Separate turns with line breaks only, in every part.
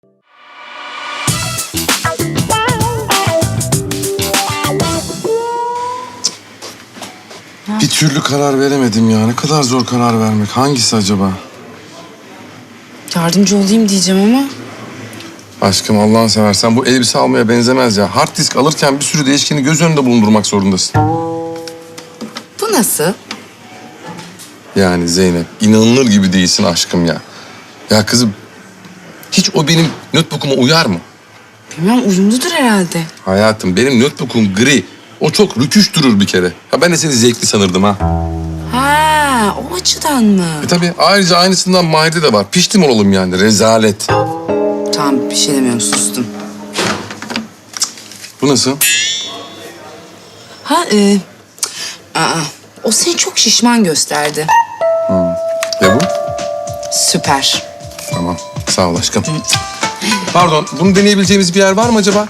Bir türlü karar veremedim ya. Ne kadar zor karar vermek. Hangisi acaba?
Yardımcı olayım diyeceğim ama.
Aşkım Allah'ını seversen bu elbise almaya benzemez ya. Hard disk alırken bir sürü değişkeni göz önünde bulundurmak zorundasın.
Bu nasıl?
Yani Zeynep inanılır gibi değilsin aşkım ya. Ya kızım hiç o benim notebook'uma uyar mı?
Bilmem, uyumludur herhalde.
Hayatım benim notebook'um gri. O çok rüküş durur bir kere. Ya ben de seni zevkli sanırdım ha.
Ha, o açıdan mı?
Tabii ayrıca aynısından Mahir'de de var. Piştim olalım yani rezalet.
Tamam, bir şey demiyorum, sustum.
Bu nasıl?
Ha, o seni çok şişman gösterdi.
Ya bu?
Süper.
Tamam sağ ol aşkım. Pardon bunu deneyebileceğimiz bir yer var mı acaba?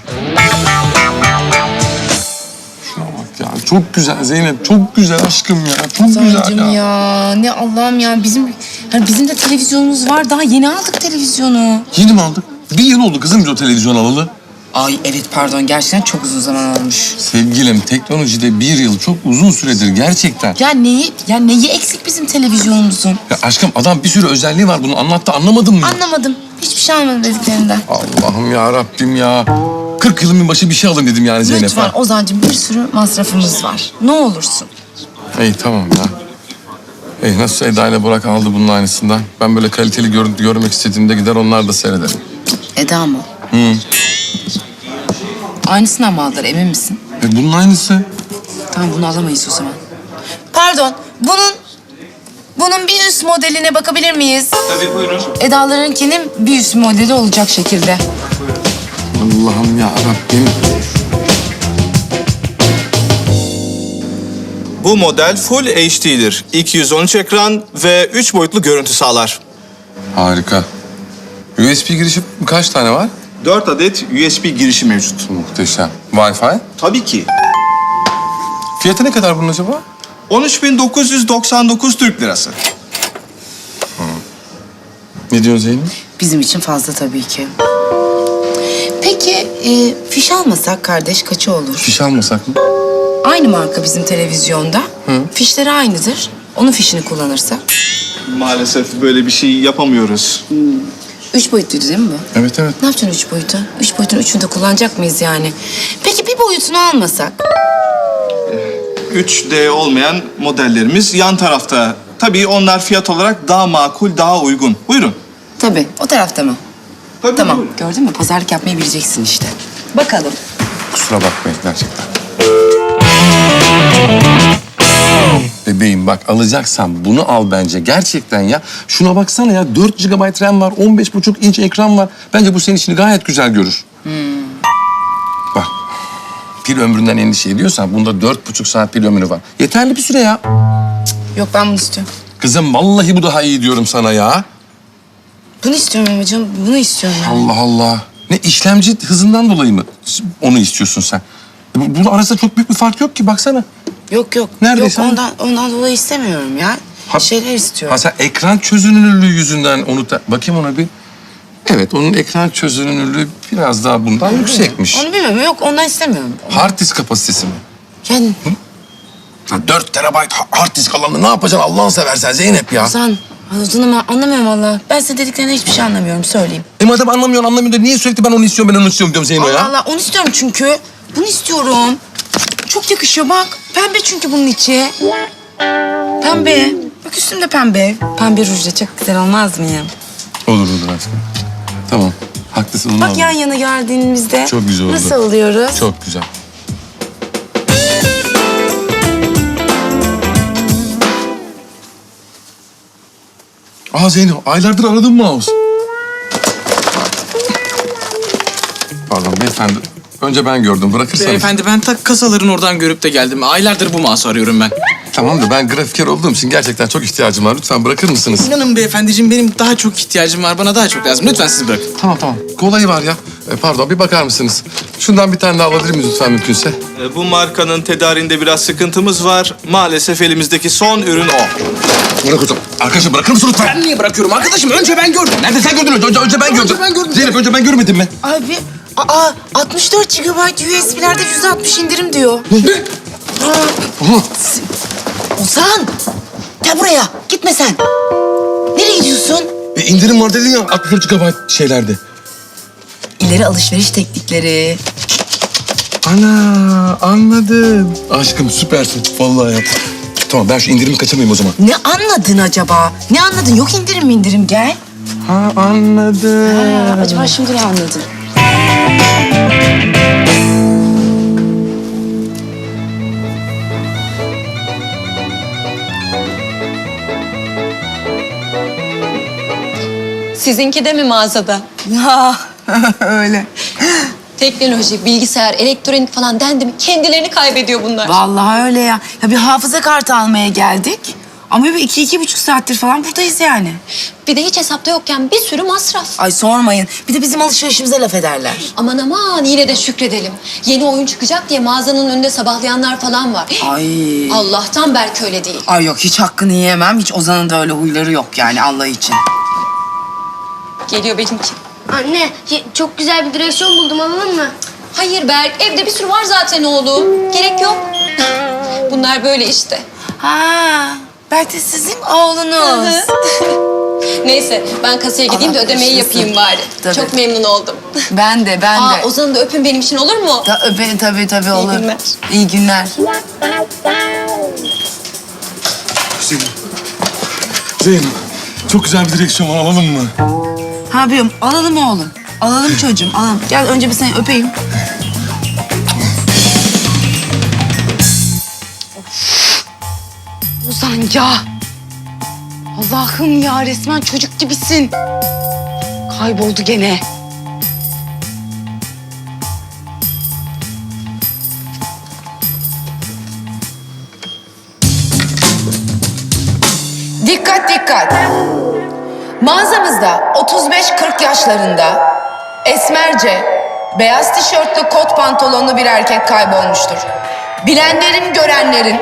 Şuna bak ya çok güzel Zeynep. Çok güzel aşkım ya. Çok güzel
Sancım
ya.
ya, ne Allah'ım ya. Bizim de televizyonumuz var. Daha yeni aldık televizyonu.
Yeni mi aldık? Bir yıl oldu kızım biz o televizyon alalı.
Ay evet, pardon, gerçekten çok uzun zaman olmuş.
Sevgilim teknolojide bir yıl çok uzun süredir gerçekten.
Neyi eksik bizim televizyonumuzun?
Ya aşkım adam bir sürü özelliği var bunu anlattı anlamadın mı?
Anlamadım. Hiçbir şey anlamadım dediklerinden.
Allah'ım ya Rabbim ya. 40 yılın başı bir şey alın dedim yani Zeynep.
Lütfen
ha.
Ozan'cığım, bir sürü masrafımız var. Ne olursun.
İyi tamam ya. İyi nasıl Eda ile Burak aldı bunun aynısından. Ben böyle kaliteli görüntü görmek istediğimde gider onlar da seyrederim.
Eda mı?
Hı.
Aynısından mı aldılar, emin misin?
Bunun aynısı.
Tamam, bunu alamayız o zaman. Pardon, bunun bir üst modeline bakabilir miyiz?
Tabii buyurun.
Eda'larınkinin bir üst modeli olacak şekilde.
Allah'ım ya Rabbim.
Bu model Full HD'dir. 213 ekran ve 3 boyutlu görüntü sağlar.
Harika. USB girişi kaç tane var?
4 adet USB girişi mevcut.
Muhteşem. Wi-Fi?
Tabii ki.
Fiyatı ne kadar bunun acaba?
13.999 Türk lirası.
Ne diyorsun Zeynep?
Bizim için fazla tabii ki. Peki fiş almasak kardeş kaçı olur?
Fiş almasak mı?
Aynı marka bizim televizyonda. Fişleri aynıdır. Onun fişini kullanırsak.
Maalesef böyle bir şey yapamıyoruz.
3 boyutluydu değil mi bu?
Evet evet.
Ne yapacaksın 3 boyutu? 3 boyutun üçünü de kullanacak mıyız yani? Peki bir boyutunu almasak?
3D olmayan modellerimiz yan tarafta. Tabii onlar fiyat olarak daha makul, daha uygun. Buyurun.
Tabii, o tarafta mı?
Tabii,
Tamam,
buyurun.
gördün mü? Pazarlık yapmayı bileceksin işte. Bakalım.
Kusura bakmayın gerçekten. Bebeğim bak alacaksan bunu al bence gerçekten ya. Şuna baksana ya 4 GB RAM var, 15,5 inç ekran var. Bence bu senin işini gayet güzel görür. Bak pil ömründen endişe ediyorsan bunda 4,5 saat pil ömrü var. Yeterli bir süre ya.
Yok, ben bunu istiyorum.
Kızım vallahi bu daha iyi diyorum sana ya.
Bunu istiyorum amacım, bunu istiyorum yani.
Allah Allah. Ne işlemci hızından dolayı mı onu istiyorsun sen? Bunun arasında çok büyük bir fark yok ki baksana.
Yok.
Neredeyse
Yok, ondan dolayı istemiyorum ya. Şeyler istiyorum.
Ha sen ekran çözünürlüğü yüzünden onu da... Bakayım ona bir. Evet, onun ekran çözünürlüğü biraz daha bundan yüksekmiş.
Onu bilmiyorum. Yok, ondan istemiyorum.
Hard disk kapasitesi mi?
Yani
Ya 4 terabayt hard disk alanında ne yapacaksın Allah'ını seversen Zeynep ya?
Ozan anlamıyorum valla. Ben senin dediklerinden hiçbir şey anlamıyorum, söyleyeyim.
Madem anlamıyor da niye sürekli ben onu istiyorum diyorum Zeyno ya?
Allah, onu istiyorum çünkü. Bunu istiyorum. Çok yakışıyor bak. Pembe çünkü bunun içi. Pembe. Bak üstümde pembe. Pembe rujla çok güzel olmaz mı ya?
Olur aşkım. Tamam, haklısın onu
Bak
alalım.
yan yana geldiğimizde.
Çok güzel oldu.
Nasıl oluyoruz?
Çok güzel. Aa Zeyno, aylardır aradım mouse. Pardon beyefendi. Önce ben gördüm. Bırakırsanız.
Beyefendi ben tak kasaların oradan görüp de geldim. Aylardır bu mouse'u arıyorum ben.
Tamam da ben grafiker olduğum için gerçekten çok ihtiyacım var. Lütfen bırakır mısınız?
İnanın beyefendiciğim benim daha çok ihtiyacım var. Bana daha çok lazım. Lütfen siz bırakın.
Tamam. Kolayı var ya. Pardon bir bakar mısınız? Şundan bir tane daha alabilir miyiz lütfen mümkünse?
Bu markanın tedariğinde biraz sıkıntımız var. Maalesef elimizdeki son ürün o.
Bırak hocam. Arkadaşım bırakır mısın lütfen?
Ben niye bırakıyorum arkadaşım? Önce ben gördüm.
Nerede sen gördün? Önce ben gördüm.
ben gördüm.
Zeynep önce ben görmedim mi?
Abi, 64 GB USB'lerde %60 indirim diyor.
Aha.
Ozan, gel buraya. Gitme sen. Nereye gidiyorsun?
İndirim var dedin ya 64 GB şeylerde.
İleri alışveriş teknikleri.
Ana anladım. Aşkım süpersin vallahi ya. Tamam ben şu indirimi kaçamayayım o zaman.
Ne anladın acaba? Ne anladın? Yok indirim gel.
Ha anladım.
Acaba şimdi ne anladın?
Sizinki de mi mağazada?
Ya öyle.
Teknoloji, bilgisayar, elektronik falan dendi mi kendilerini kaybediyor bunlar.
Vallahi öyle ya. Ya bir hafıza kartı almaya geldik. Ama bir 2-2,5 saattir falan buradayız yani.
Bir de hiç hesapta yokken bir sürü masraf.
Ay sormayın. Bir de bizim alışverişimize laf ederler.
Aman aman yine de şükredelim. Yeni oyun çıkacak diye mağazanın önünde sabahlayanlar falan var.
Ay.
Allah'tan belki öyle değil.
Ay yok hiç hakkını yiyemem. Hiç Ozan'ın da öyle huyları yok yani Allah için.
Geliyor benimki.
Anne, çok güzel bir direksiyon buldum, alalım mı?
Hayır Berk, evde bir sürü var zaten oğlum. Gerek yok. Bunlar böyle işte.
Ha, belki sizin oğlunuz.
Neyse ben kasaya gideyim de
Allah
ödemeyi
başlasın.
yapayım bari.
Tabii.
Çok memnun oldum.
Ben de.
Aa, Ozan'ı da öpün benim için olur mu?
Öperim tabii olur.
günler.
İyi günler.
Zeynep çok güzel bir direksiyon var alalım mı?
Ha biliyorum. Alalım oğlum. Alalım çocuğum. Alalım. Gel önce bir seni öpeyim. Ozan ya. Allah'ım ya resmen çocuk gibisin. Kayboldu gene. Dikkat dikkat. Mağazamızda 35-40 yaşlarında esmerce, beyaz tişörtlü kot pantolonlu bir erkek kaybolmuştur. Bilenlerin, görenlerin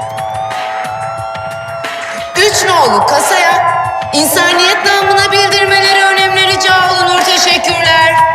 3 nolu kasaya insaniyet namına bildirmeleri önemli rica olunur. Teşekkürler.